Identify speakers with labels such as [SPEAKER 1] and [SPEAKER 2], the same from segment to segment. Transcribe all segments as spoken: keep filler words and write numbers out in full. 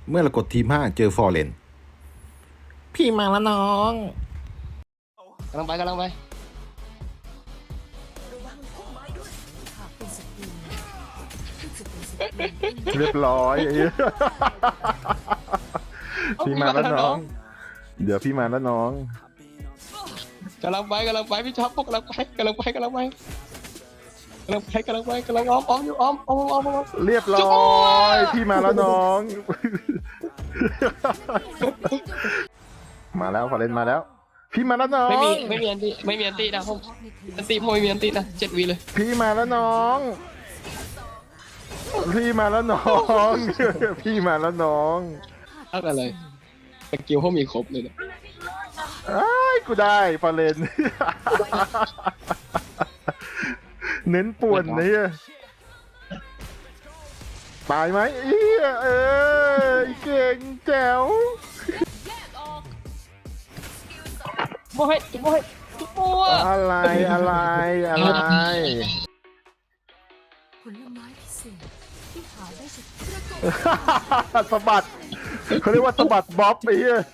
[SPEAKER 1] เมื่อเรากดทีมห้าเจอฟอร์เรนพี่มาแล้วน้อง
[SPEAKER 2] กำลังไปกำลังไป
[SPEAKER 3] เรียบร้อยไอ้พี่มาแล้วน้องเดี๋ยวพี่มาแล้วน้อง
[SPEAKER 2] กำลังไปกำลังไปพี่ชอบพวกกำลังไปกำลังไปกำลังไปกำลังไปกำลังไปกำลังอ้อมอ้อมอยู่อ้อมอ้อมอ้อมอ้อม
[SPEAKER 3] เรียบร้อยพี่มาแล้วน้องมาแล้วฟอร์เรนมาแล้วพี่มาแล้วน้อง
[SPEAKER 2] ไม่มีไม่มีอันตีไม่มีอันตีนะผมอันตีผมไม่มีอันตีนะเจ็ดวีเลย
[SPEAKER 3] พี่มาแล้วน้องพี่มาแล้วน้อง พี่มาแล้วน้อง
[SPEAKER 2] อะไรสกิลเขามีครบเลยนะ
[SPEAKER 3] ไอ้กูได้ฟอร์เรนเน้นป่วนเนี่ยตายไหมเอ้ยเออเก่งแจ๋ว
[SPEAKER 2] โมเฮ้จุ๊บโมเฮ้จุ๊บโม
[SPEAKER 3] อะไรอะไรอะไร
[SPEAKER 4] ผลไม้พิเศษที่หาได้จาก
[SPEAKER 3] สะบัดเขาเรียกว่าสะบัดบ๊อบไอ้เหี้ย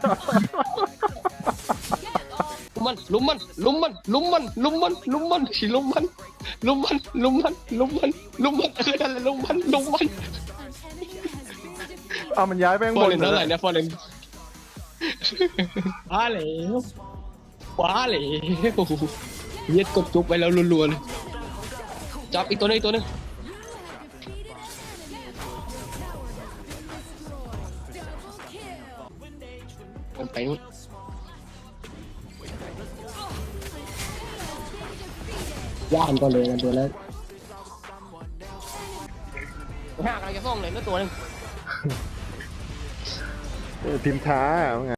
[SPEAKER 2] ลุมมันลุมมันลุมมันลุมมันลุมมันลุมมันลุมมันลุมมันลุมมันลุมมันลุมมันคืออะไรลุมมันลุมมัน
[SPEAKER 3] เอามันย้ายไปข้างบน
[SPEAKER 2] เท่าไหร่เนี่ยฟอร์เรนว้าเหลวว้าเหลวเย็ดกดจุ๊บไปแล้วรัวๆเลยจับอีกตัวนึงอีกตัวนึงมันไปนู่นย่านก็เลยกันตัวแล้วห้ากำลังจะส่งเลยเมื่อตัวนึง
[SPEAKER 3] พิมพ์ช้า